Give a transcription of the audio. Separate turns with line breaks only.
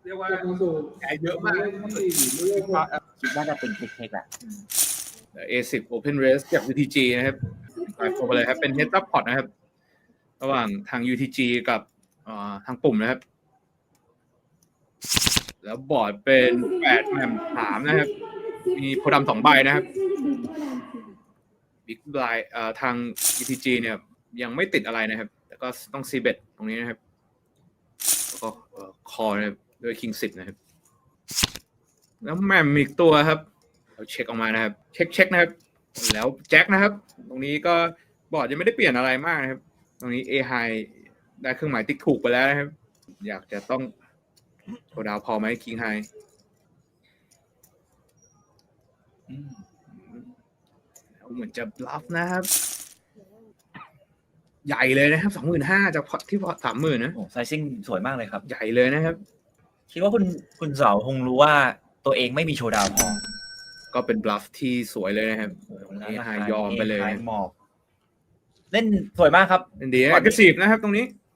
เรียกว่าแพ้เยอะมาก
คิดว่าจะเป็นเทคแหละ
A10 Open Race จาก UTG นะครับไปโคไปเลยครับเป็น Heads Up Pot นะครับระหว่างทาง UTG กับทางปุ่มนะครับแล้วบอร์ดเป็น8แหม่ม3นะครับมีโพดำ2ใบนะครับบิ๊กไบล์ทาง UTG เนี่ยยังไม่ติดอะไรนะครับแต่ก็ต้องซีเบ็ดตรงนี้นะครับแล้วก็คอนะครับด้วย King 10นะครับแล้วแหม่มอีกตัวครับเราเช็คออกมานะครับเช็คนะครับแล้วแจ็คนะครับตรงนี้ก็บอร์ดยังไม่ได้เปลี่ยนอะไรมากนะครับตรงนี้ A high ได้เครื่องหมายติ๊กถูกไปแล้วนะครับอยากจะต้องโชว์ดาวพอไหม King high เหมือนจะบลัฟนะครับใหญ่เลยนะครับ 25,000 จากพอตที่พอต 30,000 นะ
โอ้ไซซิ่งสวยมากเลยครับ
ใหญ่เลยนะครับ
คิดว่าคุณเสาคงรู้ว่าตัวเองไม่มีโชว์ดาวพอ
ก็เป็นบลัฟที่สวยเลยนะครับเอไฮยอมไปเลย
หมอบเล่นสวยมากครับ
ดี aggressive นะครับตรงนี้